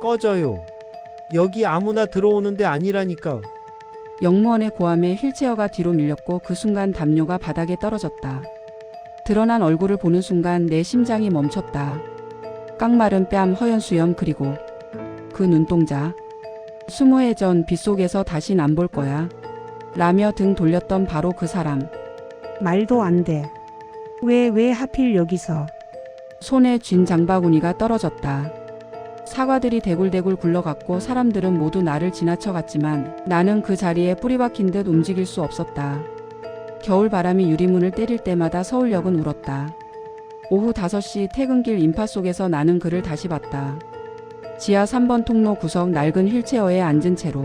꺼져요. 여기 아무나 들어오는 데 아니라니까. 영무원의 고함에 휠체어가 뒤로 밀렸고 그 순간 담요가 바닥에 떨어졌다. 드러난 얼굴을 보는 순간 내 심장이 멈췄다. 깡마른 뺨, 허연 수염, 그리고 그 눈동자. 20해 전 빗속에서 다신 안 볼 거야 라며 등 돌렸던 바로 그 사람. 말도 안 돼. 왜 하필 여기서? 손에 쥔 장바구니가 떨어졌다. 사과들이 대굴대굴 굴러갔고 사람들은 모두 나를 지나쳐갔지만 나는 그 자리에 뿌리 박힌 듯 움직일 수 없었다. 겨울 바람이 유리문을 때릴 때마다 서울역은 울었다. 오후 5시 퇴근길 인파 속에서 나는 그를 다시 봤다. 지하 3번 통로 구석 낡은 휠체어에 앉은 채로.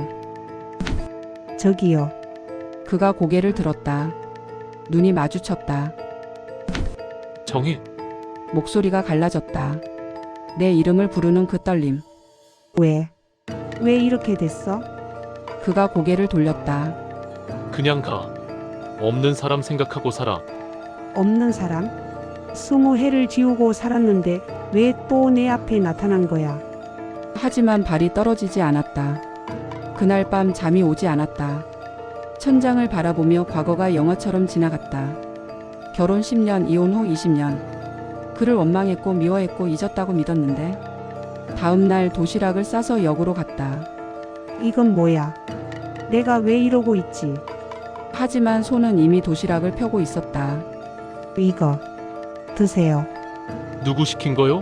저기요. 그가 고개를 들었다. 눈이 마주쳤다. 정희, 목소리가 갈라졌다. 내 이름을 부르는 그 떨림. 왜? 왜 이렇게 됐어? 그가 고개를 돌렸다. 그냥 가. 없는 사람 생각하고 살아. 없는 사람? 20해를 지우고 살았는데 왜 또 내 앞에 나타난 거야? 하지만 발이 떨어지지 않았다. 그날 밤 잠이 오지 않았다. 천장을 바라보며 과거가 영화처럼 지나갔다. 결혼 10년, 이혼 후 20년. 그를 원망했고 미워했고 잊었다고 믿었는데 다음 날 도시락을 싸서 역으로 갔다. 이건 뭐야? 내가 왜 이러고 있지? 하지만 손은 이미 도시락을 펴고 있었다. 이거 드세요. 누구 시킨 거요?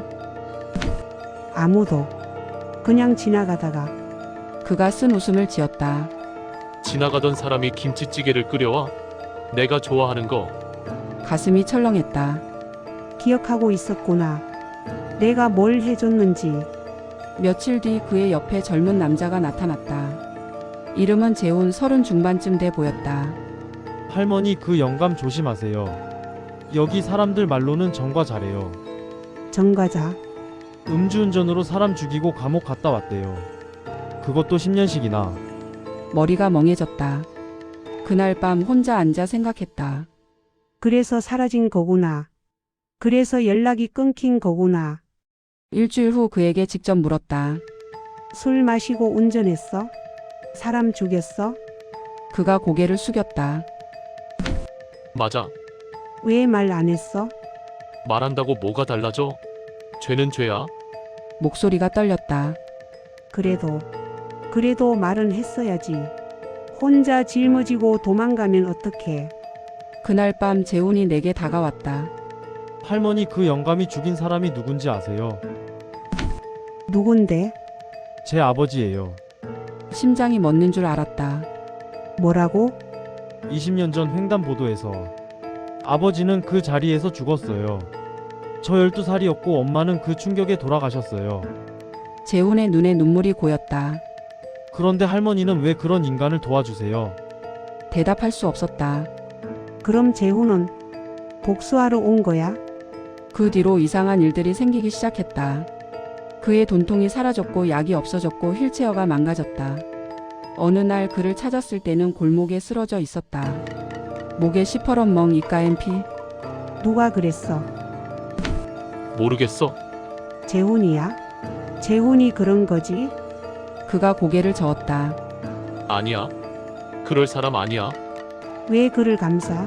아무도. 그냥 지나가다가. 그가 쓴 웃음을 지었다. 지나가던 사람이 김치찌개를 끓여와? 내가 좋아하는 거. 가슴이 철렁했다. 기억하고 있었구나. 내가 뭘 해줬는지. 며칠 뒤 그의 옆에 젊은 남자가 나타났다. 이름은 재훈. 30 중반쯤 돼 보였다. 할머니 그 영감 조심하세요. 여기 사람들 말로는 정과자래요. 정과자. 음주운전으로 사람 죽이고 감옥 갔다 왔대요. 그것도 10년씩이나. 머리가 멍해졌다. 그날 밤 혼자 앉아 생각했다. 그래서 사라진 거구나. 그래서 연락이 끊긴 거구나. 일주일 후 그에게 직접 물었다. 술 마시고 운전했어? 사람 죽였어? 그가 고개를 숙였다. 맞아. 왜 말 안 했어? 말한다고 뭐가 달라져? 죄는 죄야. 목소리가 떨렸다. 그래도 말은 했어야지. 혼자 짊어지고 도망가면 어떡해. 그날 밤 재훈이 내게 다가왔다. 할머니 그 영감이 죽인 사람이 누군지 아세요? 누군데? 제 아버지예요. 심장이 멎는 줄 알았다. 뭐라고? 20년 전 횡단보도에서. 아버지는 그 자리에서 죽었어요. 저 12살이었고 엄마는 그 충격에 돌아가셨어요. 재훈의 눈에 눈물이 고였다. 그런데 할머니는 왜 그런 인간을 도와주세요? 대답할 수 없었다. 그럼 재훈은 복수하러 온 거야? 그 뒤로 이상한 일들이 생기기 시작했다. 그의 돈통이 사라졌고 약이 없어졌고 휠체어가 망가졌다. 어느 날 그를 찾았을 때는 골목에 쓰러져 있었다. 목에 시퍼런 멍, 입가엔 피. 누가 그랬어? 모르겠어. 재훈이야? 재훈이 그런 거지? 그가 고개를 저었다. 아니야. 그럴 사람 아니야. 왜 그를 감싸?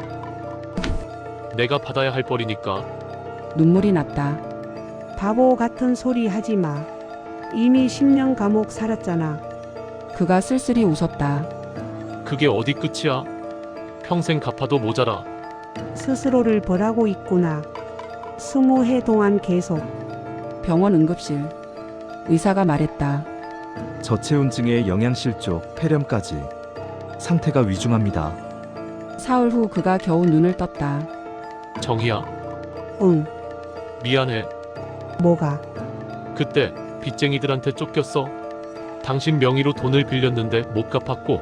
내가 받아야 할 벌이니까. 눈물이 났다. 바보 같은 소리 하지 마. 이미 10년 감옥 살았잖아. 그가 쓸쓸히 웃었다. 그게 어디 끝이야? 평생 갚아도 모자라. 스스로를 벌하고 있구나. 20해 동안 계속. 병원 응급실. 의사가 말했다. 저체온증에 영양실조, 폐렴까지. 상태가 위중합니다. 사흘 후 그가 겨우 눈을 떴다. 정희야, 응. 미안해. 뭐가? 그때 빚쟁이들한테 쫓겼어. 당신 명의로 돈을 빌렸는데 못 갚았고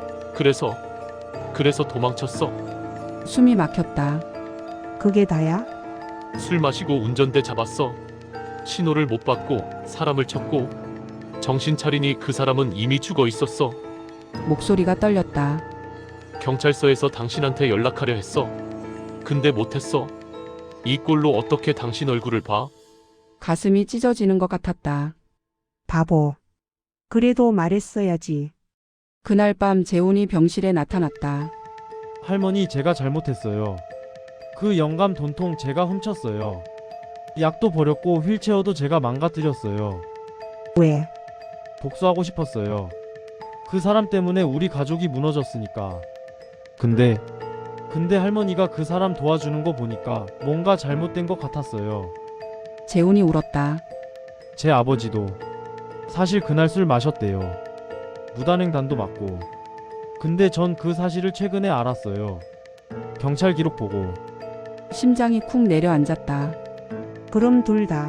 그래서 도망쳤어. 숨이 막혔다. 그게 다야? 술 마시고 운전대 잡았어. 신호를 못 받고 사람을 쳤고 정신 차리니 그 사람은 이미 죽어 있었어. 목소리가 떨렸다. 경찰서에서 당신한테 연락하려 했어. 근데 못했어. 이 꼴로 어떻게 당신 얼굴을 봐? 가슴이 찢어지는 것 같았다. 바보. 그래도 말했어야지. 그날 밤 재훈이 병실에 나타났다. 할머니, 제가 잘못했어요. 그 영감 돈통 제가 훔쳤어요. 약도 버렸고 휠체어도 제가 망가뜨렸어요. 왜? 복수하고 싶었어요. 그 사람 때문에 우리 가족이 무너졌으니까. 근데 할머니가 그 사람 도와주는 거 보니까 뭔가 잘못된 것 같았어요. 재훈이 울었다. 제 아버지도 사실 그날 술 마셨대요. 무단횡단도 맞고. 근데 전 그 사실을 최근에 알았어요. 경찰 기록 보고. 심장이 쿵 내려앉았다. 그럼 둘 다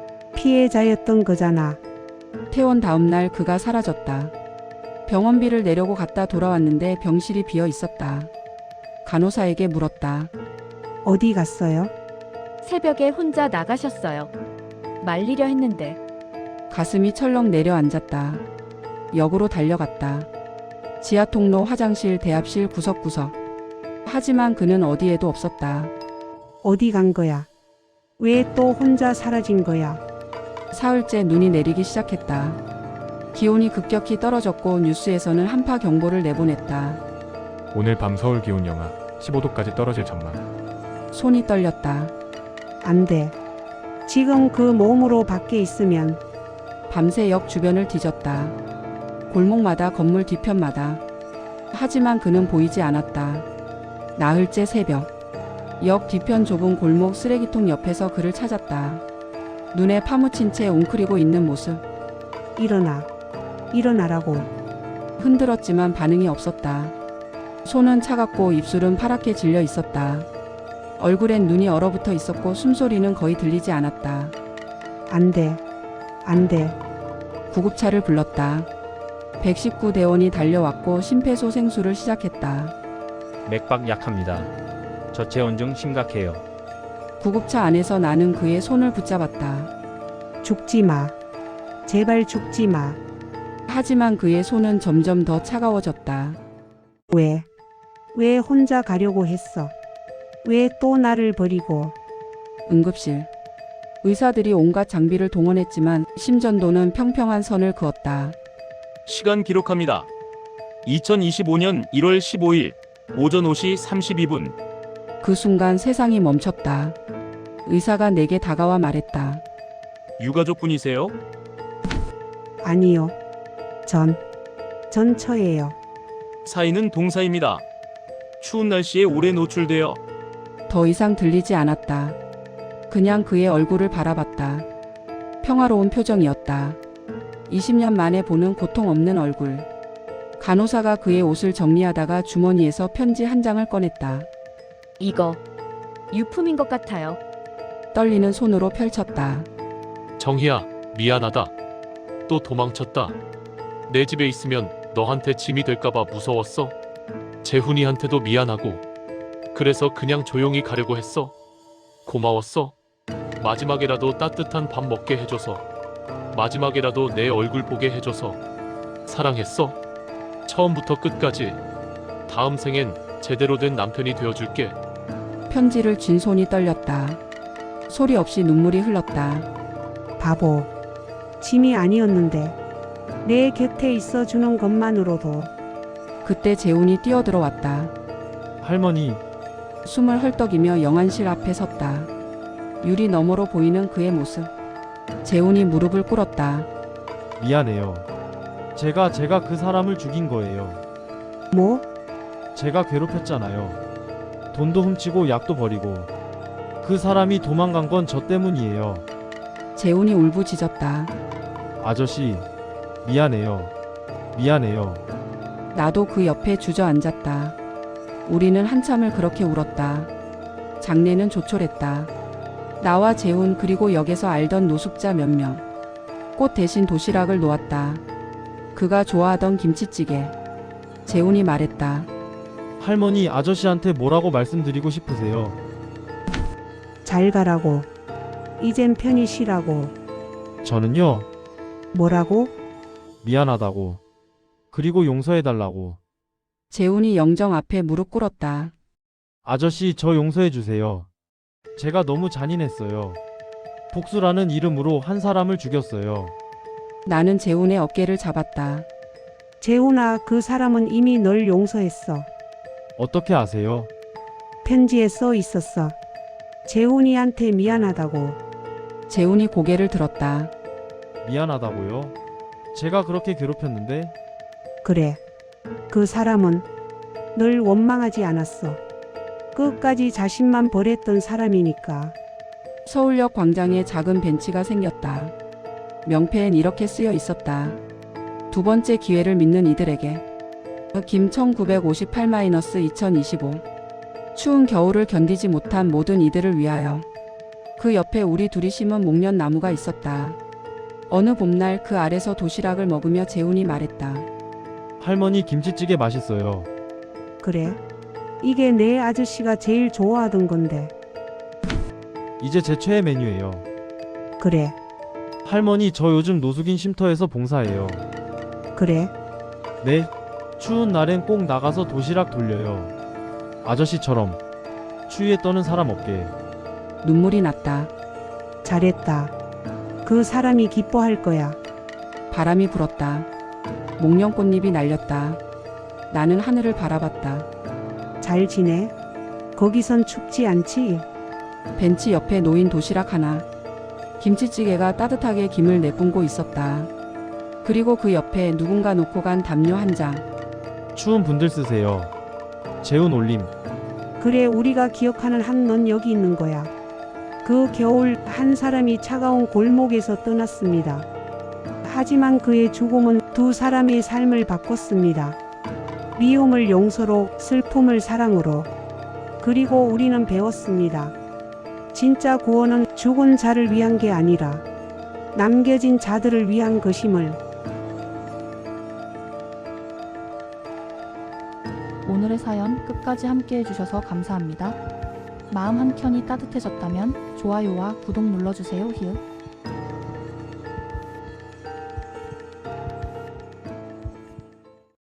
피해자였던 거잖아. 퇴원 다음 날 그가 사라졌다. 병원비를 내려고 갔다 돌아왔는데 병실이 비어 있었다. 간호사에게 물었다. 어디 갔어요? 새벽에 혼자 나가셨어요. 말리려 했는데 가슴이 철렁 내려앉았다. 역으로 달려갔다. 지하 통로, 화장실, 대합실 구석구석. 하지만 그는 어디에도 없었다. 어디 간 거야? 왜 또 혼자 사라진 거야? 사흘째 눈이 내리기 시작했다. 기온이 급격히 떨어졌고 뉴스에서는 한파 경보를 내보냈다. 오늘 밤 서울 기온 영하 15도까지 떨어질 전망. 손이 떨렸다. 안 돼. 지금 그 몸으로 밖에 있으면 밤새 역 주변을 뒤졌다. 골목마다, 건물 뒤편마다. 하지만 그는 보이지 않았다. 나흘째 새벽. 역 뒤편 좁은 골목 쓰레기통 옆에서 그를 찾았다. 눈에 파묻힌 채 웅크리고 있는 모습. 일어나. 일어나라고. 흔들었지만 반응이 없었다. 손은 차갑고 입술은 파랗게 질려 있었다. 얼굴엔 눈이 얼어붙어 있었고 숨소리는 거의 들리지 않았다. 안 돼. 안 돼. 구급차를 불렀다. 119대원이 달려왔고 심폐소생술을 시작했다. 맥박 약합니다. 저체온증 심각해요. 구급차 안에서 나는 그의 손을 붙잡았다. 죽지 마. 제발 죽지 마. 하지만 그의 손은 점점 더 차가워졌다. 왜? 왜 혼자 가려고 했어? 왜 또 나를 버리고? 응급실. 의사들이 온갖 장비를 동원했지만 심전도는 평평한 선을 그었다. 시간 기록합니다. 2025년 1월 15일 오전 5시 32분. 그 순간 세상이 멈췄다. 의사가 내게 다가와 말했다. 유가족분이세요? 아니요. 전처예요. 사인은 동사입니다. 추운 날씨에 오래 노출되어 더 이상 들리지 않았다. 그냥 그의 얼굴을 바라봤다. 평화로운 표정이었다. 20년 만에 보는 고통 없는 얼굴. 간호사가 그의 옷을 정리하다가 주머니에서 편지 한 장을 꺼냈다. 이거 유품인 것 같아요. 떨리는 손으로 펼쳤다. 정희야, 미안하다. 또 도망쳤다. 내 집에 있으면 너한테 짐이 될까봐 무서웠어. 재훈이한테도 미안하고. 그래서 그냥 조용히 가려고 했어. 고마웠어. 마지막에라도 따뜻한 밥 먹게 해줘서. 마지막에라도 내 얼굴 보게 해줘서. 사랑했어. 처음부터 끝까지. 다음 생엔 제대로 된 남편이 되어줄게. 편지를 쥔 손이 떨렸다. 소리 없이 눈물이 흘렀다. 바보. 짐이 아니었는데. 내 곁에 있어 주는 것만으로도. 그때 재훈이 뛰어들어왔다. 할머니, 숨을 헐떡이며 영안실 앞에 섰다. 유리 너머로 보이는 그의 모습. 재훈이 무릎을 꿇었다. 미안해요. 제가 그 사람을 죽인 거예요. 뭐? 제가 괴롭혔잖아요. 돈도 훔치고 약도 버리고. 그 사람이 도망간 건 저 때문이에요. 재훈이 울부짖었다. 아저씨, 미안해요. 미안해요. 나도 그 옆에 주저앉았다. 우리는 한참을 그렇게 울었다. 장례는 조촐했다. 나와 재훈 그리고 역에서 알던 노숙자 몇 명. 꽃 대신 도시락을 놓았다. 그가 좋아하던 김치찌개. 재훈이 말했다. 할머니, 아저씨한테 뭐라고 말씀드리고 싶으세요? 잘 가라고. 이젠 편히 쉬라고. 저는요, 뭐라고? 미안하다고. 그리고 용서해달라고. 재훈이 영정 앞에 무릎 꿇었다. 아저씨, 저 용서해주세요. 제가 너무 잔인했어요. 복수라는 이름으로 한 사람을 죽였어요. 나는 재훈의 어깨를 잡았다. 재훈아, 그 사람은 이미 널 용서했어. 어떻게 아세요? 편지에 써 있었어. 재훈이한테 미안하다고. 재훈이 고개를 들었다. 미안하다고요? 제가 그렇게 괴롭혔는데 그래. 그 사람은 널 원망하지 않았어. 끝까지 자신만 버렸던 사람이니까. 서울역 광장에 작은 벤치가 생겼다. 명패엔 이렇게 쓰여 있었다. 두 번째 기회를 믿는 이들에게. 김 1958-2025. 추운 겨울을 견디지 못한 모든 이들을 위하여. 그 옆에 우리 둘이 심은 목련나무가 있었다. 어느 봄날 그 아래서 도시락을 먹으며 재훈이 말했다. 할머니 김치찌개 맛있어요. 그래. 이게 내 아저씨가 제일 좋아하던 건데. 이제 제 최애 메뉴예요. 그래. 할머니 저 요즘 노숙인 쉼터에서 봉사해요. 그래. 네. 추운 날엔 꼭 나가서 도시락 돌려요. 아저씨처럼 추위에 떠는 사람 없게. 눈물이 났다. 잘했다. 그 사람이 기뻐할 거야. 바람이 불었다. 목련꽃잎이 날렸다. 나는 하늘을 바라봤다. 잘 지내? 거기선 춥지 않지? 벤치 옆에 놓인 도시락 하나. 김치찌개가 따뜻하게 김을 내뿜고 있었다. 그리고 그 옆에 누군가 놓고 간 담요 한 장. 추운 분들 쓰세요. 재훈 올림. 그래, 우리가 기억하는 한 넌 여기 있는 거야. 그 겨울 한 사람이 차가운 골목에서 떠났습니다. 하지만 그의 죽음은 두 사람의 삶을 바꿨습니다. 미움을 용서로, 슬픔을 사랑으로. 그리고 우리는 배웠습니다. 진짜 구원은 죽은 자를 위한 게 아니라 남겨진 자들을 위한 것임을. 오늘의 사연 끝까지 함께 해주셔서 감사합니다. 마음 한켠이 따뜻해졌다면 좋아요와 구독 눌러주세요. 히읗.